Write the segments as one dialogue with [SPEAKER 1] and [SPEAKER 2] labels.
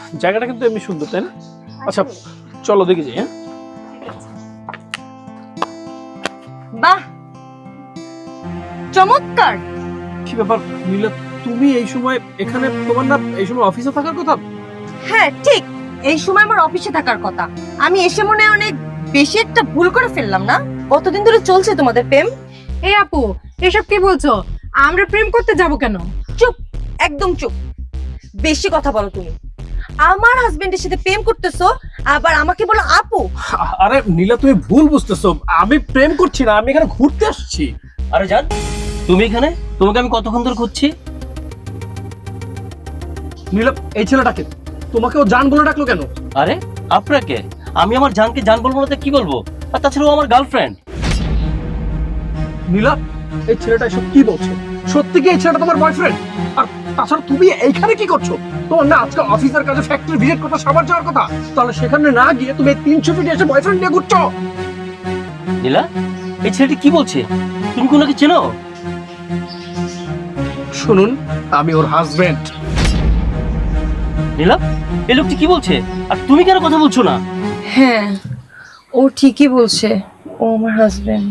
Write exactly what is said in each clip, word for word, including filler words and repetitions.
[SPEAKER 1] জায়গাটা কিন্তু এমনি সুন্দর, তাই না? আচ্ছা চলো দেখে যাই। হ্যাঁ
[SPEAKER 2] বাহ, চমৎকার।
[SPEAKER 1] কি ব্যাপার নীলা, তুমি এই সময় এখানে? তোমার না এই সময় অফিসে থাকার কথা?
[SPEAKER 2] হ্যাঁ ঠিক, এই সময় আমার অফিসে থাকার কথা। আমি এসে মনে হয় অনেক বেশি একটা ভুল করে ফেললাম না? কতদিন ধরে চলছে তোমাদের প্রেম?
[SPEAKER 3] এই আপু, এসব কি বলছো? আমরা প্রেম করতে যাব কেন?
[SPEAKER 2] চুপ, একদম চুপ। বেশি কথা বলো তুমি। আমার হাজবেন্ডের সাথে প্রেম করতেছো, আবার আমাকে বলো আপু।
[SPEAKER 1] আরে নীলা, তুমি ভুল বুঝতেছো। আমি প্রেম করছি না, আমি এখানে ঘুরতে আসছি।
[SPEAKER 4] আরে জান, তুমি এখানে? তোমাকে আমি কতক্ষণ ধরে খুঁজছি।
[SPEAKER 1] নীলা, এই ছেলেটাকে তোমাকে ও জান বলে ডাকলো কেন?
[SPEAKER 4] আরে আপনাকে আমি আমার জানকে জান বলবো না তো কি বলবো? আর তাছাড়া ও আমার গার্লফ্রেন্ড।
[SPEAKER 1] নীলা, এই ছেলেটা এসব কি বলছে? সত্যি কি এই ছেলেটা তোমার বয়ফ্রেন্ড? আর তাছাড়া তুমি এইখানে কি করছো? তোমার না আজকে অফিসের কাজে ফ্যাক্টরি ভিজিট করতে সাবার যাওয়ার কথা, তাহলে সেখানে না গিয়ে তুমি তিনশো ফিট এসে বয়ফ্রেন্ড নিয়ে ঘুরছো?
[SPEAKER 4] নীলা, এই ছেলেটি কি বলছে? তুমি কি ওনাকে চেনো?
[SPEAKER 1] শুনুন, আমি ওর হাজবেন্ড।
[SPEAKER 4] নীলা, এই লোকটি কি বলছে? আর তুমি কেন কথা বলছো না?
[SPEAKER 2] হ্যাঁ, ও ঠিকই বলছে, ও আমার হাজবেন্ড।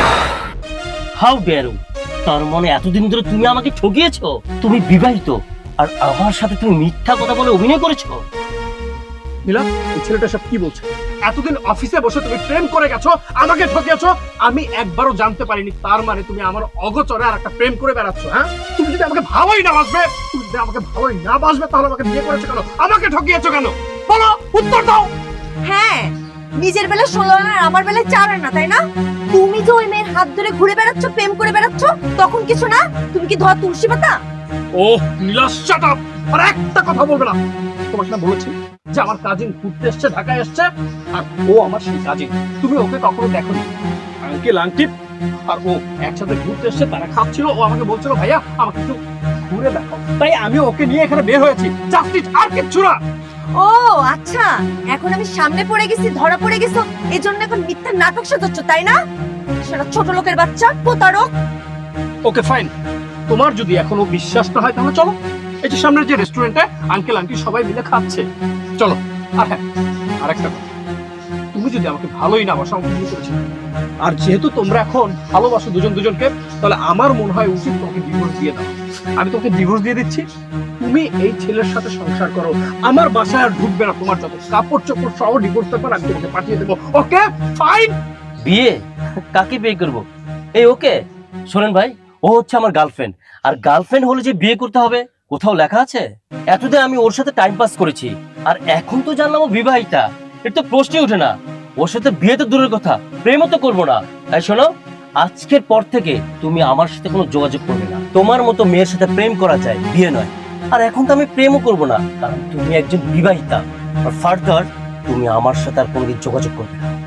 [SPEAKER 4] How dare you! তার মানে এতদিন ধরে তুমি আমাকে ঠকিয়েছো? তুমি বিবাহিত আর আমার সাথে তুমি মিথ্যা কথা বলে অভিনয় করেছো?
[SPEAKER 1] নীলা, এই ছেলেটা সব কি বলছে? এতদিন অফিসে বসে তুমি প্রেম করে গেছো, আমাকে ঠকিয়েছো, আমি একবারও জানতে পারিনি। তার মানে তুমি আমার অগোচরে আর একটা প্রেম করে বেড়াচ্ছ। হ্যাঁ, তুমি যদি আমাকে ভালোই না বাসবে, তুমি যদি আমাকে ভালোই না বাসবে, তাহলে আমাকে বিয়ে করেছো কেন? আমাকে ঠকিয়েছো কেন? বলো, উত্তর দাও।
[SPEAKER 2] হ্যাঁ, নিজের বেলা ষোলো আনা আর আমার বেলায় চার আনা, তাই না? তুমি যে ওই মেয়ের হাত ধরে ঘুরে বেড়াচ্ছ, প্রেম করে বেড়াচ্ছ, তখন কিছু না? তুমি কি ধোয়া তুলসী পাতা?
[SPEAKER 1] ওহ নীলা, শাট আপ! আর একটা কথা বলবে না। তোমাকে না বলেছি যে আমার কাজিন ঘুরতে এসেছে, ঢাকায় এসেছে, আর ও আমার সেই কাজিন। তুমি ওকে কখনো দেখোনি? আঙ্কেল আন্টি আর ও একসাথে ঘুরতে এসেছে, তারা খাচ্ছিল, ও আমাকে বলছিল ভাইয়া আমাকে একটু ঘুরে দেখো, তাই আমি ওকে নিয়ে এখানে বের হয়েছি। জাস্টিস, আর কিচ্ছু না।
[SPEAKER 2] ও আচ্ছা, এখন আমি সামনে পড়ে গেছি, ধরা পড়ে গেছো, এই জন্য এখন মিথ্যা নাটক সাজাচ্ছ, তাই না? সেটা ছোট লোকের বাচ্চা, প্রতারক।
[SPEAKER 1] ওকে ফাইন, তোমার যদি এখনো বিশ্বাস না হয় তাহলে চলো, এই যে সামনের যে রেস্টুরেন্টে আঙ্কেল আন্টি সবাই মিলে খাচ্ছে, চলো। আর হ্যাঁ, আরেকটা কথা, তুমি যদি আমাকে ভালোই না বাসো, আমাকে বিয়ে করেছো, আর যেহেতু তোমরা এখন ভালোবাসো দুজন দুজনকে, তাহলে আমার মনে হয় উচিত তোমাকে ডিভোর্স দিয়ে দাও। আমি তোমাকে ডিভোর্স দিয়ে দিচ্ছি, তুমি এই ছেলের সাথে সংসার করো, আমার বাসায় আর ঢুকবে না। তোমার যত কাপড় চোপড় সহ ডিভোর্স পেপার আমি তোমাকে পাঠিয়ে দেবো। Okay fine.
[SPEAKER 4] বিয়ে? কাকে বিয়ে করব? এই ওকে শোনেন ভাই, ও হচ্ছে আমার গার্লফ্রেন্ড, আর গার্লফ্রেন্ড হলে যে বিয়ে করতে হবে কোথাও লেখা আছে? এতদিন আমি ওর সাথে টাইম পাস করেছি, আর এখন তো জানলাম ও বিবাহিতা। এটা তো প্রশ্নই ওঠে না। ওর সাথে বিয়ে তো দূরের কথা, প্রেমও তো করবো না। তাই শোনো, আজকের পর থেকে তুমি আমার সাথে কোনো যোগাযোগ করবে না। তোমার মতো মেয়ের সাথে প্রেম করা যায়, বিয়ে নয়। আর এখন তো আমি প্রেমও করব না, কারণ তুমি একজন বিবাহিতা। আর ফার্দার তুমি আমার সাথে আর কোনোদিন যোগাযোগ করবে না।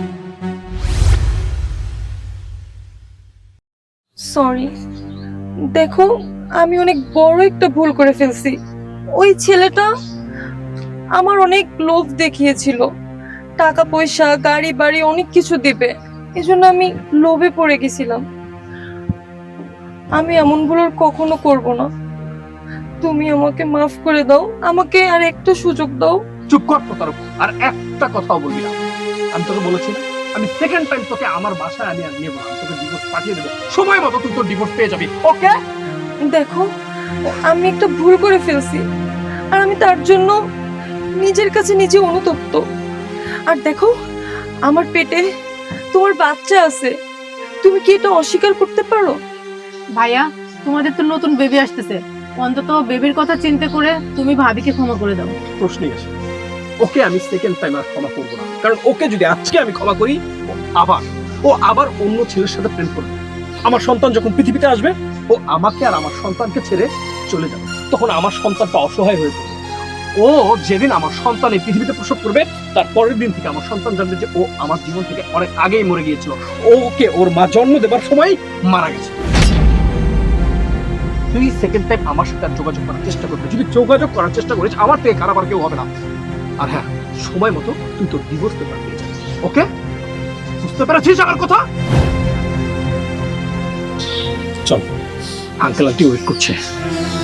[SPEAKER 2] সরি, দেখো আমি অনেক বড় একটা ভুল করে ফেলছি। ওই ছেলেটা আমার অনেক লোভ দেখিয়েছিল, টাকা পয়সা গাড়ি বাড়ি অনেক কিছু দিবে, এজন্য আমি লোভে পড়ে গেছিলাম। আমি এমন ভুল আর কখনো করব না। তুমি আমাকে মাফ করে দাও, আমাকে আর একটা সুযোগ দাও।
[SPEAKER 1] চুপ কর প্রতারক, আর একটা কথাও বলবি না। আমি তোকে বলেছি না, আমি সেকেন্ড টাইম তোকে আমার বাসায় আমি আর নিয়ে বললাম, তোকে ডিভোর্স পাঠিয়ে দেবো, সময় মতো তুই তোর ডিভোর্স পেয়ে যাবি। ওকে
[SPEAKER 2] দেখো, আমি একটা ভুল করে ফেলছি, আর আমি তার জন্য নিজের কাছে নিজে অনুতপ্ত। আর দেখো, আমার পেটে তোমার বাচ্চা আছে, তুমি কি এটা অস্বীকার করতে পারো?
[SPEAKER 3] ভাইয়া, তোমাদের তো নতুন বেবি আসতেছে, অন্তত বেবির কথা চিন্তা করে তুমি ভাবিকে ক্ষমা করে দাও।
[SPEAKER 1] প্রশ্নই আসে, ওকে আমি সেকেন্ড টাইম আর ক্ষমা করবো না, কারণ ওকে যদি আজকে আমি ক্ষমা করি, ও আবার ও আবার অন্য ছেলের সাথে প্রেম করবে। আমার সন্তান যখন পৃথিবীতে আসবে, ও আমাকে আর আমার সন্তানকে ছেড়ে চলে যাবে, তখন আমার সন্তানটা অসহায় হয়ে পড়বে। ও যেদিন আমার সন্তান এই পৃথিবীতে প্রসব করবে, তার পরের দিন থেকে আমার সন্তান জানবে যে ও আমার জীবন থেকে অনেক আগেই মরে গিয়েছিল, ওকে ওর মা জন্ম দেবার সময় মারা গেছে। তুই সেকেন্ড টাইম আমার সাথে যোগাযোগ করার চেষ্টা করবে, যদি যোগাযোগ করার চেষ্টা করিস, আমার থেকে খারাপ আর কেউ হবে না। আর হ্যাঁ, সময় মতো তুই তোর ডিভোর্স পেপার পেয়ে যাবি। ওকে, বুঝতে পেরেছিস আমার কথা? চল, আঙ্কেল আন্টি ওয়েট করছে।